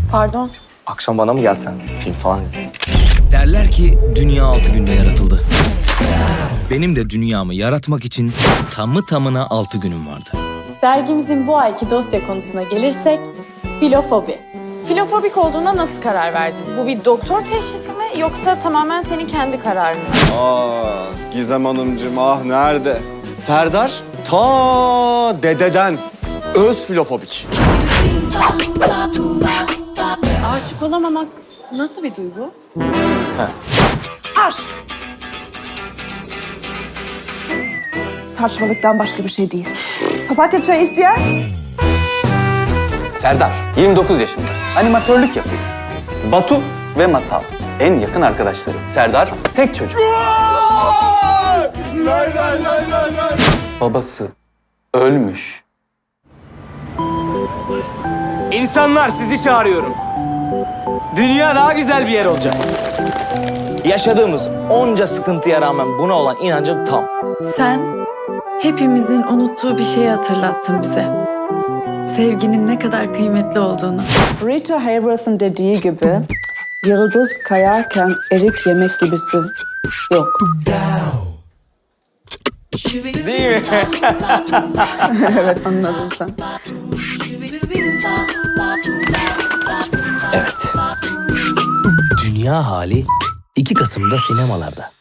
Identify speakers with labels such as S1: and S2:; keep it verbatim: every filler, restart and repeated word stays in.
S1: Pardon.
S2: Akşam bana mı gelsen? Film falan izleriz.
S3: Derler ki dünya altı günde yaratıldı. Benim de dünyamı yaratmak için tamı tamına altı günüm vardı.
S1: Dergimizin bu ayki dosya konusuna gelirsek, filofobi. Filofobik olduğuna nasıl karar verdin? Bu bir doktor teşhisi mi yoksa tamamen senin kendi kararın mı?
S4: Ah Gizem Hanımcığım ah nerede? Serdar ta dededen öz filofobik.
S1: Aşık olamamak nasıl bir duygu?
S5: Aşk. Saçmalıktan başka bir şey değil. Papatya çayı isteyen?
S6: Serdar, yirmi dokuz yaşında. Animatörlük yapıyor. Batu ve Masal, en yakın arkadaşları. Serdar, tek çocuk. Babası ölmüş.
S7: İnsanlar sizi çağırıyorum. Dünya daha güzel bir yer olacak.
S3: Yaşadığımız onca sıkıntıya rağmen buna olan inancım tam.
S1: Sen hepimizin unuttuğu bir şeyi hatırlattın bize. Sevginin ne kadar kıymetli olduğunu.
S5: Rita Hayworth'ın dediği gibi yıldız kayarken erik yemek gibisi yok.
S7: Değil mi?
S5: Evet anladın sen.
S3: Evet. Dünya hali iki Kasım'da sinemalarda.